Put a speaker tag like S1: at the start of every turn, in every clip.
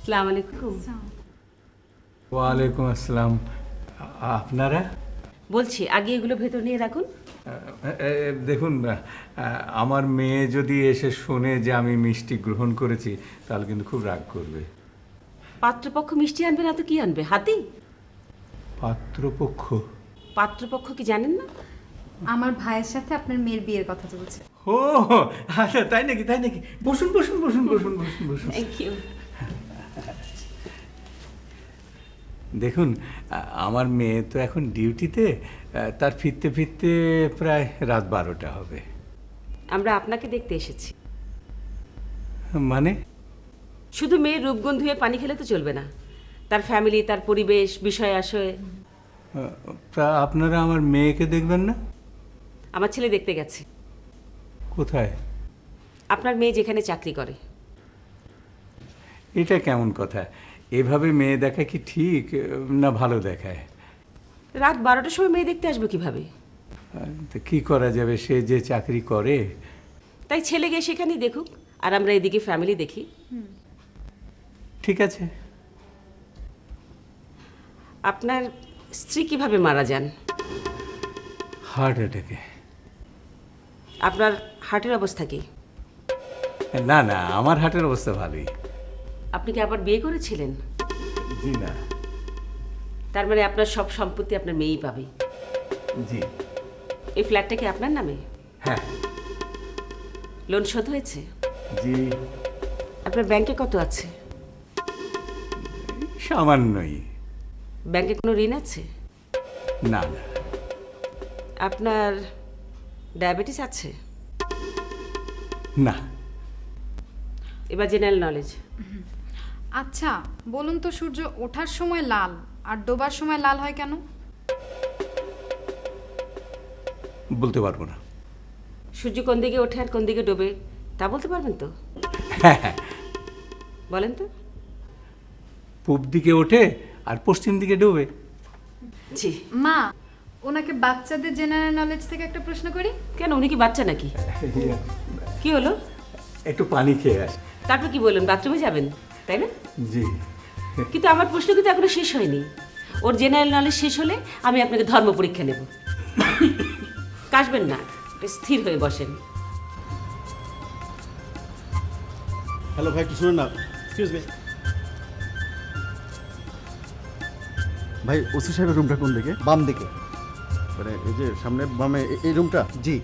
S1: আসসালামু আলাইকুম।
S2: ওয়ালাইকুম আসসালাম। আপনারা?
S1: বলছি আগে এগুলো ভেতর নিয়ে রাখুন।
S2: দেখুন, আমার মেয়ে যদি এসে শোনে যে আমি মিষ্টি গ্রহণ করেছি তাহলে কিন্তু খুব রাগ করবে।
S1: পাত্রপক্ষ মিষ্টি আনবে না তো কি আনবে? হাতি?
S2: পাত্রপক্ষ?
S1: পাত্রপক্ষ কি জানেন না?
S3: আমার ভাইয়ের সাথে আপনার মেয়ের বিয়ের কথা চলছে।
S2: ও আচ্ছা, তাই নাকি? বসুন বসুন বসুন বসুন বসুন বসুন।
S1: Thank you.
S2: দেখুন, আমার মেয়ে তো এখন ডিউটিতে, তার ফিরতে ফিরতে প্রায় রাত 12টা হবে।
S1: আমরা আপনাকে দেখতে এসেছি।
S2: মানে?
S1: শুধু মেয়ের রূপগুণ ধুয়ে পানি খেলে তো চলবে না, তার ফ্যামিলি, তার পরিবেশ, বিষয় আশয়।
S2: তা আপনারা আমার মেয়েকে দেখবেন না?
S1: আমার ছেলে দেখতে গেছে।
S2: কোথায়?
S1: আপনার মেয়ে যেখানে চাকরি করে।
S2: এটা কেমন কথা? এভাবে মেয়ে দেখা কি ঠিক না ভালো দেখায়?
S1: রাত 12টার সময় মেয়ে দেখতে আসবো কিভাবে?
S2: তো কি করা যাবে, সে যে চাকরি করে।
S1: তাই ছেলে গিয়ে সেখানেই দেখুক, আর আমরা এদিকে ফ্যামিলি দেখি।
S2: ঠিক আছে।
S1: আপনার স্ত্রী কিভাবে মারা যান?
S2: হার্ট অ্যাটাকে।
S1: আপনার হার্টের অবস্থা কি?
S2: না না, আমার হার্টের অবস্থা ভালোই।
S1: আপনি কি আবার বিয়ে করেছিলেন?
S2: জি না।
S1: তার মানে আপনার সব সম্পত্তি আপনার মেয়েই পাবে।
S2: জি।
S1: এই ফ্ল্যাটটা কি আপনার নামে?
S2: হ্যাঁ।
S1: লোন শোধ হয়েছে?
S2: জি।
S1: আপনার ব্যাংকে কত আছে?
S2: সামান্যই।
S1: ব্যাংকে কোনো ঋণ আছে?
S2: না না।
S1: আপনার ডায়াবেটিস আছে?
S2: না।
S1: এবার জেনারেল নলেজ।
S3: আচ্ছা বলুন তো, সূর্য ওঠার সময় লাল আর ডোবার সময় লাল হয় কেন?
S2: বলতে পারবো না।
S1: সূর্য কোন দিকে ওঠে আর কোন দিকে ডোবে তা বলতে পারবেন তো? বলেন তো।
S2: পূব দিকে ওঠে আর পশ্চিম দিকে ডুবে।
S1: জি।
S3: মা, ওনাকে বাচ্চাদের জেনারেল নলেজ থেকে একটা প্রশ্ন করি।
S1: কেন, উনি কি বাচ্চা নাকি? কি হলো?
S2: একটু পানি খেয়ে আস।
S1: তারপর কি বললেন, বাথরুমে যাবেন তাই না?
S2: জি।
S1: কিন্তু আমার প্রশ্ন কিন্তু এখনো শেষ হয়নি। ওর জেনারেল নলেজ শেষ হলে আমি আপনাকে ধর্ম পরীক্ষা নেব। কাশবেন না, একটু স্থির হয়ে বসেন।
S4: হ্যালো ভাই, একটু শুনুন না। এক্সকিউজ মি ভাই, ওসি সাহেবের রুমটা কোন দিকে?
S5: বাম দিকে।
S4: মানে এই যে সামনে বামে এই রুমটা?
S5: জি।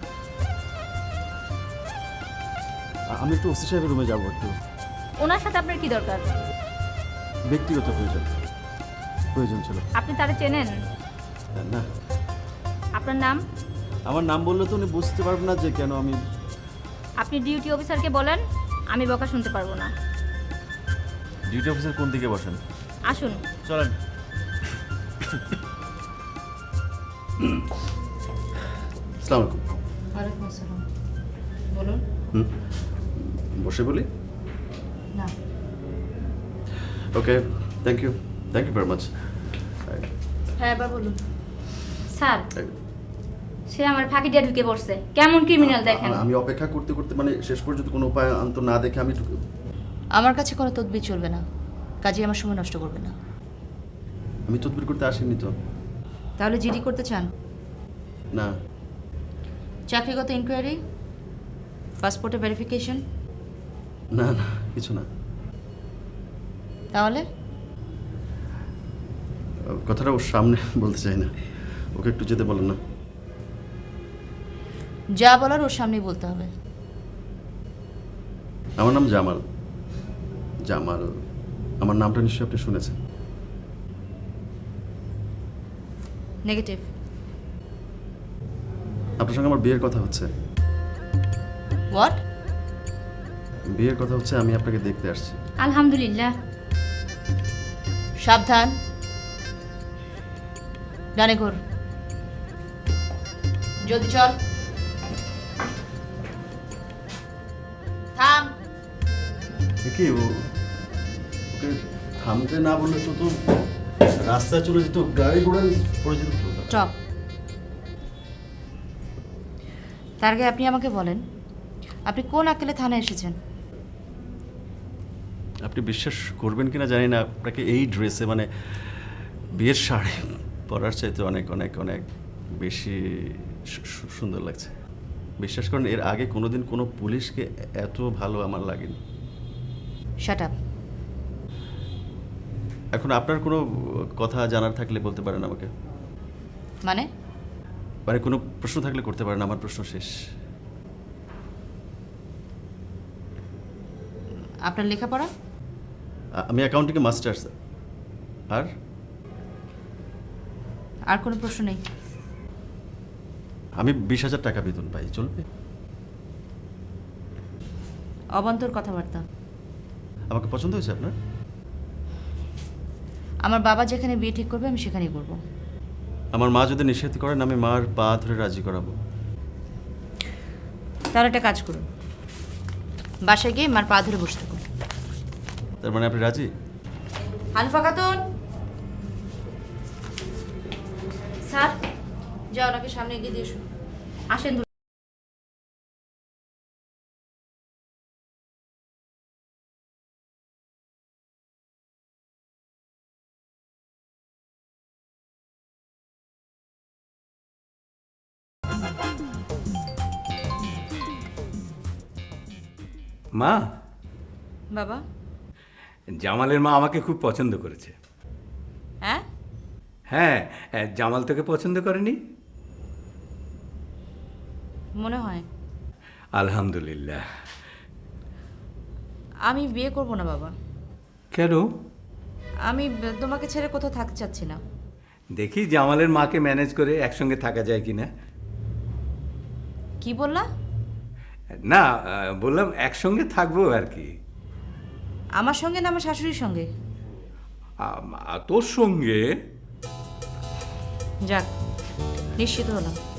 S4: আমি একটু ওসি সাহেবের রুমে যাবো একটু।
S6: ওনার সাথে আপনার কি দরকার?
S4: ব্যক্তিগত প্রয়োজন ছিল।
S6: আপনি তারে চেনেন?
S4: না।
S6: আপনার নাম?
S4: আমার নাম বললে তো উনি বুঝতে পারবেন না যে কেন আমি।
S6: আপনি ডিউটি অফিসারকে বলেন, আমি বকা শুনতে পারবো না।
S4: ডিউটি অফিসার কোন দিকে বসেন?
S6: আসুন।
S4: চলেন। আসসালামু আলাইকুম।
S3: ওয়ালাইকুম আসসালাম। বলুন।
S4: বসে বলি?
S3: না।
S4: Okay, thank you very much.
S6: হ্যাঁ, এবার বলুন। স্যার, সে আমার ফাঁকি দিয়ে ঢুকে পড়ছে। কেমন ক্রিমিনাল দেখেন।
S4: আমি অপেক্ষা করতে করতে মানে শেষ পর্যন্ত কোনো উপায় আন্ত না দেখে আমি
S7: আমার কাছে কোনো তদবির চলবে না, কাজে আমার সময় নষ্ট করবে না।
S4: আমি তদবির করতে আসিনি তো।
S7: তাহলে জিডি করতে চান?
S4: না।
S7: চাকরিগত ইনকোয়ারি, পাসপোর্টে ভেরিফিকেশন?
S4: না না, কিছু না।
S7: তাহলে
S4: কথাটা ওর সামনে বলতে চাই না, ওকে একটু যেতে বলেন না।
S7: যা বলার ওর সামনেই বলতে হবে।
S4: আমার নাম জামাল। জামাল, আমার নামটা নিশ্চয়ই আপনি শুনেছেন।
S7: নেগেটিভ।
S4: আপনার সঙ্গে আমার বিয়ের কথা হচ্ছে।
S7: হোয়াট?
S4: বিয়ের কথা হচ্ছে, আমি আপনাকে দেখতে আসছি।
S6: আলহামদুলিল্লাহ।
S7: সাবধান, ডানে ঘোর। জলদি চল। থাম।
S4: কি ওকে থামতে না বললে তো রাস্তায় চলে যেত, গাড়ি ঘোড়া পড়ে যেত।
S7: স্টপ। তার আগে আপনি আমাকে বলেন, আপনি কোন আক্কেলে থানায় এসেছেন?
S4: আপনি বিশ্বাস করবেন কিনা জানি না, আপনাকে এই ড্রেসে মানে বিয়ের শাড়ি পরার চাইতে অনেক অনেক অনেক বেশি সুন্দর লাগছে। বিশ্বাস করেন, এর আগে কোনোদিন কোনো পুলিশকে এত ভালো আমার লাগেনি।
S7: Shut up.
S4: এখন আপনার কোনো কথা জানার থাকলে বলতে পারেন আমাকে,
S7: মানে?
S4: মানে কোনো প্রশ্ন থাকলে করতে পারেন, আমার প্রশ্ন শেষ।
S7: আপনার লেখাপড়া?
S4: আমি অ্যাকাউন্টিংয়ে মাস্টার্স। আর
S7: আর কোনো প্রশ্ন নেই?
S4: আমি 20,000 টাকা বেতন পাই, চলবে?
S7: অবান্তর কথাবার্তা।
S4: আমাকে পছন্দ হয়েছে আপনার?
S7: আমার বাবা যেখানে বিয়ে ঠিক করবে আমি সেখানেই করব।
S4: আমার মা যদি নিষেধ করেন আমি মার পা ধরে রাজি করাবো।
S7: তাহলে একটা কাজ করুন, বাসায় গিয়ে মার পা ধরে বসে থাকুন।
S4: তার মানে আপনি রাজি?
S7: হানিফা খাতুন,
S6: স্যার
S7: যাও ওনাকে সামনে এগিয়ে দিয়ে এসো।
S6: আসেন।
S2: মা,
S7: বাবা।
S2: জামালের মা আমাকে খুব পছন্দ করেছে।
S7: হ্যাঁ?
S2: হ্যাঁ, জামাল তোকে পছন্দ করেনি?
S7: মনে হয়।
S2: আলহামদুলিল্লাহ।
S7: আমি বিয়ে করব না বাবা।
S2: কেন?
S7: আমি তোমাকে ছেড়ে কোথাও থাকতে চাচ্ছি না।
S2: দেখি জামালের মাকে ম্যানেজ করে একসঙ্গে থাকা যায় কিনা।
S7: কি বললা?
S2: না, বললাম একসঙ্গে থাকবো আর কি।
S7: আমার সঙ্গে না আমার শাশুড়ির সঙ্গে?
S2: তোর সঙ্গে।
S7: যাক, নিশ্চিত হলাম।